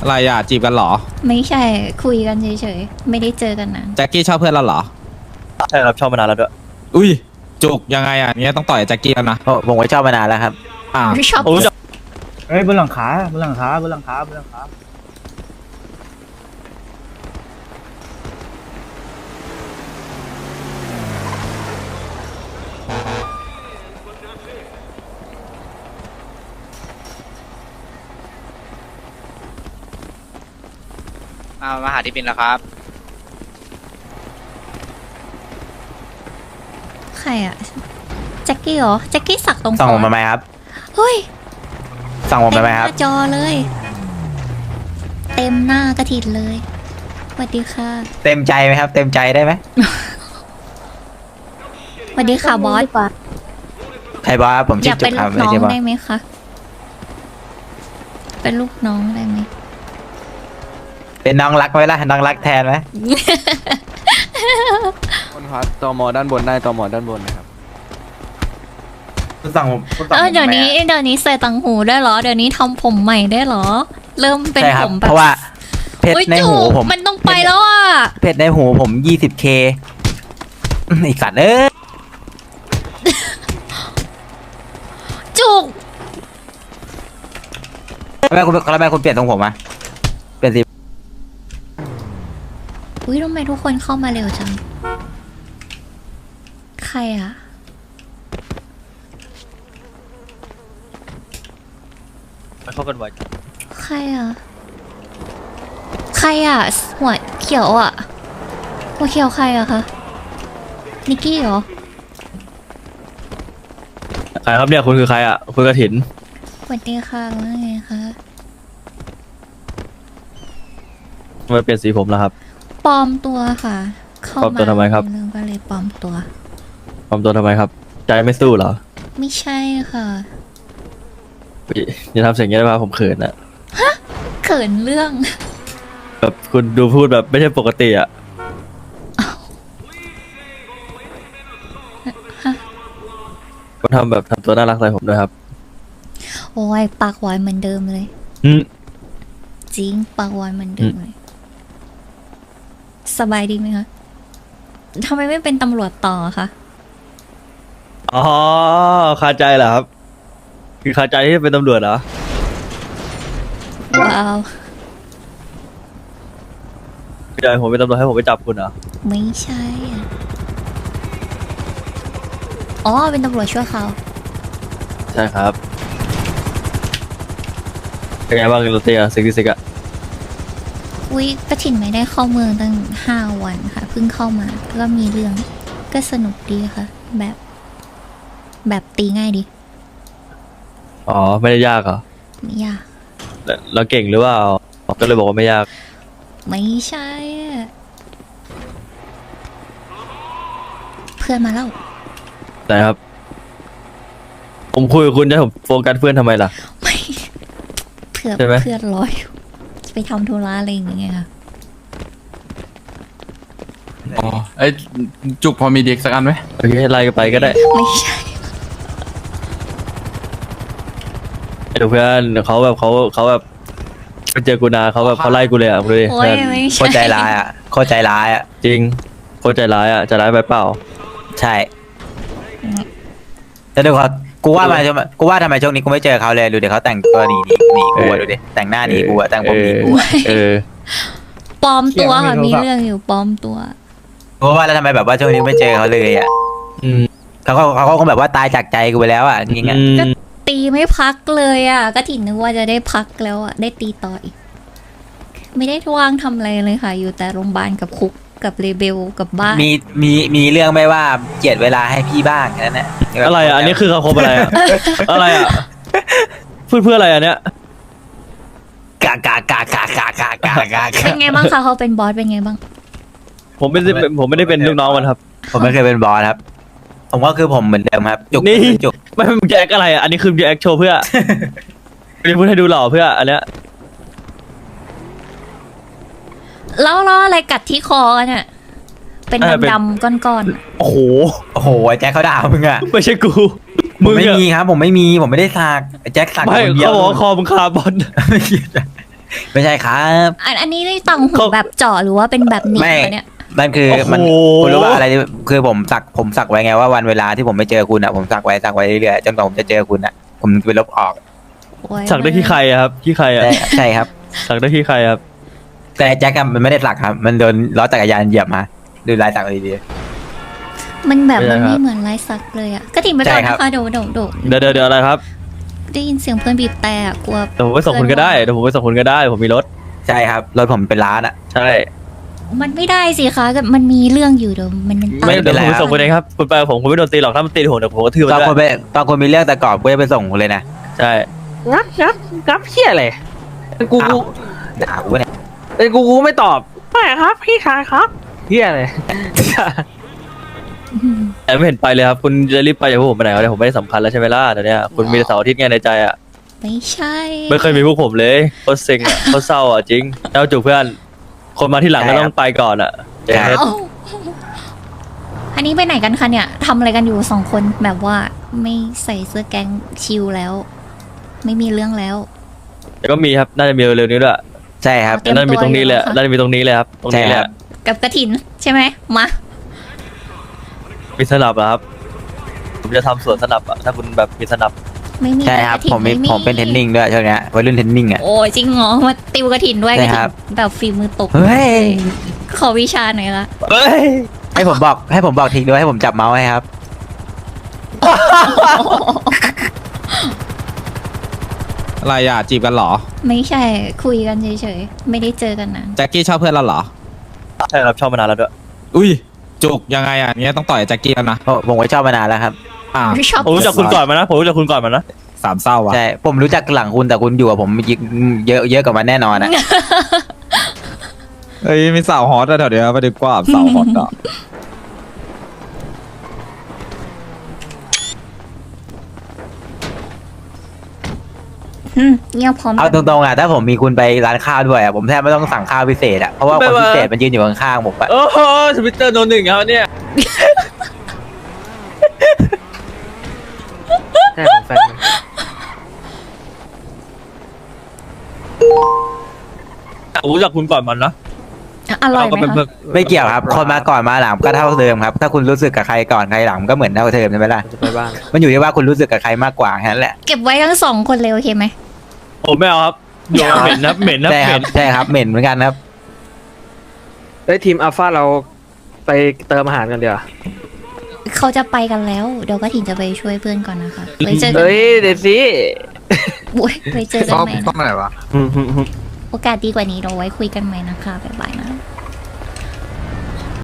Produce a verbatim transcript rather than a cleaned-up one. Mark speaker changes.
Speaker 1: อะไรอ่ะจีบกันเหรอ
Speaker 2: ไม่ใช่คุยกันเฉยๆไม่ได้เจอกันนาน
Speaker 1: แจ็คกี้ชอบเพื่อนเราเหรอ
Speaker 3: ใช่ครับชอบมานานแล้วด้วย
Speaker 1: อุ้ยจุกยังไงอ่ะเนี้ยต้องต่อยแจ็คกี้แล้วนะ
Speaker 4: ผมก็ชอบมานานแล้วครับ
Speaker 1: อ่า
Speaker 2: ชอบ
Speaker 3: ผมรู้จัก
Speaker 5: เฮ้ยบนหลังคาบนหลังคาบนหลังคาบนหลังคา
Speaker 6: มามาหาที่บินแล้วครับ
Speaker 2: ใครอะแจ็คกี้เหรอแจ็คกี้สักตรง
Speaker 4: ส่องผม
Speaker 2: คอ
Speaker 4: มาไหมครับ
Speaker 2: เฮ้ย
Speaker 4: ส่องผม
Speaker 2: เต็
Speaker 4: มาไหม
Speaker 2: ห
Speaker 4: ครับ
Speaker 2: น้าจอเลย เต็มหน้ากระถินเลยสวัสดีค่ะ
Speaker 4: เต็มใจไหมครับ เต็มใจได้ไหม
Speaker 2: สวัสดีค่ะบอส
Speaker 4: ใครบอกว่าผม
Speaker 2: อ
Speaker 4: ชื่
Speaker 2: ยา
Speaker 4: อก จุ
Speaker 2: เป็
Speaker 4: ก
Speaker 2: น
Speaker 4: ค
Speaker 2: ลู
Speaker 4: รับ
Speaker 2: ก
Speaker 4: ไม่
Speaker 2: น้อง
Speaker 4: ใช่บอส
Speaker 2: ได้ไหมคะเป็นลูกน้องได้ไหม
Speaker 4: เป็นน้องรักไหมล่ะน้องรักแทนไหม
Speaker 7: คนครับตมด้านบนได้ตมด้านบนนะครับ
Speaker 4: คุณส่องผมคุณส่อง
Speaker 2: เอ
Speaker 4: ผ
Speaker 2: อ
Speaker 4: ม
Speaker 2: เดี๋ยว
Speaker 4: ทำไม
Speaker 2: นี้
Speaker 4: อะ
Speaker 2: เดี๋ยวนี้ใส่ตังหูได้เหรอเดี๋ยวนี้ทำผมใหม่ได้เหรอ เริ่มเป็น
Speaker 4: ใช่ค
Speaker 2: ผ
Speaker 4: รับ
Speaker 2: มแบบ
Speaker 4: เพราะว่าเพชร
Speaker 2: อุ๊ย
Speaker 4: ในหู
Speaker 2: จุก
Speaker 4: ผม
Speaker 2: มันต้องไปแล้วอ่ะ
Speaker 4: เพชรในหูผม ยี่สิบเค อีกสัตว์เอ้ย
Speaker 2: จุก
Speaker 4: ทำไมคุณทำไมคุณเปลี่ยนทรงผมอะเปลี่ยนสี
Speaker 2: อุ้ยทำไมทุกคนเข้ามาเร็วจังใครอ่ะ
Speaker 3: ไม่เข้ากันไว
Speaker 2: ใครอ่ะ ใครอ่ะ หัวเขียวอ่ะ หัวเขียวใครอ่ะคะ นิกกี้เหรอ
Speaker 3: ใครครับเนี่ยคุณคือใครอ่ะคุณกระถิน
Speaker 2: สวัสดีค่ะว่าไงคะ
Speaker 3: ทำไมเปลี่ยนสีผมแล้วครับ
Speaker 2: ปลอมตัวค่ะ เข้า
Speaker 3: ปลอมตัวทำไมครับ
Speaker 2: เรื่องก็เลยปลอมตัว
Speaker 3: ปลอมตัวทำไมครับ ใจไม่สู้เหรอ
Speaker 2: ไม่ใช่ค่ะ
Speaker 3: อุ๊ยอย่าทำเสียงอย่างนี้ได้ป่ะผมเขินอะ
Speaker 2: เขินเรื่อง
Speaker 3: แบบคุณดูพูดแบบไม่ใช่ปกติอะก็ทำแบบทำตัวน่ารักใส่ผมด้วยครับ
Speaker 2: โอ้ยปากหวานเหมือนเดิมเลย
Speaker 3: อืม
Speaker 2: จริงปากหวานเหมือนเดิมเลย สบายดีไหมคะทำไมไม่เป็นตำรวจต่อคะ
Speaker 3: อ๋อคาใจเหรอครับ คือคาใจที่จะเป็นตำรวจเหรอ
Speaker 2: ว้าว
Speaker 3: พี่ชายผมเป็นตำรวจให้ผมไปจับคุณเหรอ
Speaker 2: ไม่ใช่อะอ๋อ เป็นตำรวจชั่วคราว
Speaker 3: ใช่ครับเป็นไงบ้างโรเตียซิกซิกอะ
Speaker 2: อุ้ยกระถิ่นไม่ได้เข้าเมืองตั้งห้าวันค่ะเพิ่งเข้ามาก็มีเรื่องก็สนุกดีค่ะ แบบ แบบตีง่ายดี
Speaker 3: อ๋อไม่ได้ยากเหรอ
Speaker 2: ไม่ยาก
Speaker 3: แล้วเราเก่งหรือเปล่าก็เลยบอกว่าไม่ยาก
Speaker 2: ไม่ใช่อะเพื่อนมาแล้ว
Speaker 3: ไหนครับ ผมคุยกับคุณจะให้ผมโฟกัสเพื่อนทำไมล่ะ
Speaker 2: ไม่เพื่อน
Speaker 3: ใช่ไหม
Speaker 2: เพื่อนรออยู่จะไปทำธุระอะไรอย่างเงี้ยค่ะ
Speaker 7: อ๋อไอ้ยจุกพอมีเด็กสักอันไหม
Speaker 3: โอเคไล่กันไปก็ได้
Speaker 2: ไม่ใช่
Speaker 3: ไอ้เพื่อนเขาแบบเขาเขาแบบไปเจอกูนาเขาแบบเขาไล่กูเลยอ่ะดูดิ
Speaker 2: โอ้ย
Speaker 3: เพื่อน
Speaker 2: ไม่
Speaker 4: โค
Speaker 2: ใช่
Speaker 4: ตรใจร้ายอะโคตรใจร้ายอะ
Speaker 3: จริงโคตรใจร้ายอ่ะใจร้ายไปเปล่า
Speaker 4: ใช่แล้วดูเขากูว่ามากูว่าทำไมช่วงนี้กูไม่เจอเขาเลยดูเดี๋ยวเขาแต่งตัวหนีหนีหนีกูอะดูดิแต่งหน้าหนีกูอะแต่งผมหนีกูอะ
Speaker 3: เออ
Speaker 2: ปลอมตัวค่ะมีเรื่องอยู่ปลอมตัว
Speaker 4: กูว่าแล้วทำไมแบบว่าช่วงนี้ไม่เจอเขาเลยอะ
Speaker 3: อืม
Speaker 4: เขาก็เขาก็คงแบบว่าตายจากใจกูไปแล้วอะจริงๆอะ
Speaker 3: อืม
Speaker 2: ก็ตีไม่พักเลยอ่ะ ก็ถิ่นนึกว่าจะได้พักแล้วอ่ะ ได้ตีต่ออีก ไม่ได้ว่างทำอะไรเลยค่ะ อยู่แต่โรงพยาบาลกับคุกกับเลเบลกับบ้าน
Speaker 4: มีมีมีเรื่องไม่ว่าเจียดเวลาให้พี่บ้างแค่นั้นแหละ
Speaker 3: อะไรอ่ะอันนี้คือคำคมอะไรอ่ะ อะไรอ่ะพูดเพื่ออะไรอ่ะเนี้ย
Speaker 4: กากากากากากากากา
Speaker 2: เป็นไงบ้างคะเขาเป็นบอสเป็นไงบ้าง
Speaker 3: ผมไม่ได้เป็นผมไม่ได้เป็นลูกน้องมันครับ
Speaker 4: ผมไม่เคยเป็นบอสครับ ผมก็คือผมเหมือนเดิมครับ จุก
Speaker 3: นี่
Speaker 4: จุก
Speaker 3: ไม่มึงจะแอคอะไรอ่ะอันนี้คือจะแอคโชว์เพื่อ ไม่ได้พูดให้ดูหล่อเพื่ออันเนี้ย
Speaker 2: แล้วล้ออะไรกัดที่คอเนี่ย เป็นดำๆก้อน
Speaker 3: โอ้โห
Speaker 4: โอ้โหไอ้แจ็คเขาด่ามึงอะ
Speaker 3: ไม่ใช่กู
Speaker 4: ผ
Speaker 3: มึ
Speaker 4: ม
Speaker 3: ง
Speaker 4: ไม่
Speaker 3: อะ
Speaker 4: มีครับ ผมไม่มีผมไม่ได้สักไอ้แจ็คสัก
Speaker 3: ไม่
Speaker 4: คนเดียว
Speaker 3: เขาบอกว่าคอมึงคาร์บอน
Speaker 4: แไม่ใช่ครับ
Speaker 2: อันอันนี้ได้ตังหูแบบเจาะหรือว่าเป็นแบบหนีบ
Speaker 4: ไม่
Speaker 2: วะเนี่ย
Speaker 4: มันคือ
Speaker 3: โอ้โห
Speaker 4: มันคุณรู้ว่าอะไรที่คือผมสักผมสักไว้ไงว่าวันเวลาที่ผมไม่เจอคุณอ่ะผมสักไว้สักไว้เรื่อยๆจนกว่าผมจะเจอคุณอ่ะผมจะไปลบออก
Speaker 2: โอ้ย
Speaker 3: สักได้ที่ใครอะครับที่ใครอะ
Speaker 4: ใช่ใช่ครับ
Speaker 3: สักได้ที่ใครครับ
Speaker 4: แต่แจ็คอะมันไม่ได้สักครับ มันโดนล้อจักรยานเหยียบมาดูลายสักดี
Speaker 2: มันแบบ
Speaker 3: ไม่
Speaker 2: มัน
Speaker 3: ใช่ครับ
Speaker 2: ไม่เหมือนลายสักเลยอะกระถิ่นไปก่อน
Speaker 4: ใช่ครับ
Speaker 2: นะคะเดี๋ยวเดี๋ยวเดี๋ยว
Speaker 3: เดี๋ยวเดี๋ยวเดี๋ยวอะไรครับ
Speaker 2: ได้ยินเสียงเพื่อนบีบแต่อะกลัว
Speaker 3: เดี๋ยวผมไปส่งคุณก็ได้เดี๋ยวผมไปส่งคุณก็ได้ผมมีรถ
Speaker 4: ๆใช่ครับรถผมเป็นล้านอ่ะ
Speaker 3: ใช่
Speaker 2: มันไม่ได้สิคะก็มันมีเรื่องอยู่เดี๋ยวมันมัน
Speaker 3: ไม่
Speaker 2: ตา
Speaker 3: เดี๋ยวผมไป
Speaker 4: ครับ
Speaker 3: ส่งคุณเองครับคุณไปกับผมคุณไม่โดนตีหรอกถ้ามันตีผมเดี๋ยวผมก็ทืบ
Speaker 4: ต
Speaker 3: มั
Speaker 4: อน
Speaker 3: น
Speaker 4: คน
Speaker 3: ได้
Speaker 4: ไปตอนคนมีเรื่องแต่ก่อนกูจะไปส่งคุณเลยนะ
Speaker 3: ใช่
Speaker 8: งับงับงับเฮียอะไรกู
Speaker 4: อ้า
Speaker 8: กู
Speaker 4: ว ด่ากูเนี่ย
Speaker 8: เอ้ยกูกูไม่ตอบไม่ครับพี่ชายครับเฮียอะไร
Speaker 2: อืม
Speaker 3: แต่ไม่เห็นไปเลยครับคุณจะรีบไปจากพวกผมไปไหนวะเนี่ยผมไม่ได้สำคัญแล้วใช่ไหมล่ะเดี๋ยวเนี้คุณมีแต่เสาร์อาทิตย์ไงในใจอะ
Speaker 2: ไม่ใช่
Speaker 3: ไม่เคยมีพวกผมเลยโคตรเซ็งอะโคตรเศร้าอะจริงแล้วจูบเพื่อนคนมาที่หลังก็ต้องไปก่อนอะเจ๊
Speaker 2: เอ้าอันนี้ไปไหนกันคะเนี่ยทำอะไรกันอยู่สองคนแบบว่าไม่ใส่เสื้อแก๊งชิลแล้ว ไม่มีเรื่องแล้ว
Speaker 3: แต่ก็มีครับน่าจะมีเร็วๆนี้ด้วย
Speaker 4: ใช่ครับ
Speaker 2: เตรียม
Speaker 3: น่าจะมีตรงนี้เลย
Speaker 2: ตัวอยู่แล้วค่ะ
Speaker 3: น่าจะมีตรงนี้เลยครับตรงนี้เลย
Speaker 4: ใช่ครับ
Speaker 2: กับกระถินใช่ไหมมา
Speaker 3: มีสนับเหรอครับผมจะทำสวนสนับอะถ้าคุณแบบมีสนับ
Speaker 2: ไม่มี
Speaker 4: ใช่ครับ
Speaker 2: กะถิ่น
Speaker 4: ผมมี
Speaker 2: ไ
Speaker 4: ผมเป็นเทรนนิ่งด้วยช่วงเนี้ยวัยรุ่นเทรนนิ่งอ่ะ
Speaker 2: โอ้ยจริงเหรอมาติวกระถินด้วย
Speaker 4: ใช่
Speaker 2: กระ
Speaker 4: ครั
Speaker 2: ถิ
Speaker 4: บ
Speaker 2: นแบบฝีมือตก
Speaker 4: เฮ้ย
Speaker 2: ขอวิชาหน่อยละ
Speaker 3: เฮ้ย
Speaker 4: ให้ผมบอกให้ผมบอกทิ้งด้วยให้ผมจับเมาส์ให้ครับ
Speaker 1: อะไรอ่ะจีบกันเหรอ
Speaker 2: ไม่ใช่คุยกันเฉยๆไม่ได้เจอกันนาน
Speaker 1: แจ็คกี้ชอบเพื่อนเราเหรอ
Speaker 3: ใช่ครับชอบมานานแล้วด้วย
Speaker 1: อุ้ยจุกยังไงอ่ะเนี้ยต้องต่อยแจ็คกี้แล้วนะ
Speaker 4: ผมผมก็ชอบมานานแล้วครับ
Speaker 1: อ่า
Speaker 2: ชอบ
Speaker 3: ผมรู้จักคุณก่อนมานะผมรู้จักคุณก่อนมานะ
Speaker 1: สามเศร้าอ่ะ
Speaker 4: ใช่ผมรู้จักหลังคุณแต่คุณอยู่กับผมเยอะเยอะกว่ามันแน่นอนอ่ะ
Speaker 1: เอ้ยมีสาวฮอตอะแถวเดียวไปดีกว่าสาวฮอตอ่ะ
Speaker 2: อืมเงียบพร้อม
Speaker 4: เอาตรงๆอ่ะถ้าผมมีคุณไปร้านข้าวด้วยอ่ะผมแทบไม่ต้องสั่งข้าวพิเศษอ่ะเพราะว่าคนพิเศษมันยืนอยู่ข้างๆผมอ่ะ
Speaker 3: โอ้โหทวิตเตอร์โนหนึ่งครับเนี่ย
Speaker 8: ใช่ของแฟนมัน
Speaker 3: ผมรู้จักคุณก่อนมันนะ
Speaker 2: อร่อย
Speaker 3: เราก็
Speaker 2: ไหม
Speaker 3: เป็นเพื่อ
Speaker 2: คะ
Speaker 3: น
Speaker 4: ไม่เกี่ยวครับ คนมาก่อนมาหลังก็เท่าเดิมครับ ถ้าคุณรู้สึกกับใครก่อนใครหลังก็เหมือนเท่าเดิมใช่ไหมล่ะ
Speaker 8: จะไปบ้าง
Speaker 4: มันอยู่ที่ว่าคุณรู้สึกกับใครมากกว่าแค่นั้นแหละ
Speaker 2: เก็บไว้ทั้งสองคนเลยโอเคไหม
Speaker 3: ผมไม่เอาครับโยนเหม็นนะเหม็นนะ
Speaker 4: ใช่
Speaker 3: เห
Speaker 4: ค
Speaker 3: ม็
Speaker 4: รับ
Speaker 3: น
Speaker 4: ใช่ครับเหม็นเหมือนกันครับ
Speaker 8: เอ้ยทีมอัลฟาเราไปเติมอาหารกันเดี๋ยวา
Speaker 2: เขาจะไปกันแล้วเดี๋ยวกระถินจะไปช่วยเพื่อนก่อนนะคะไว้เจอกัน
Speaker 8: เอ้ยเดี๋ยวสิ
Speaker 2: อุ๊ยไว้เจอกันใหม่
Speaker 7: ต้อง
Speaker 2: นะ
Speaker 7: ไหนวะ
Speaker 2: โอกาสดีกว่านี้เราไว้คุยกันใหม่นะคะบ๊ายบายนะ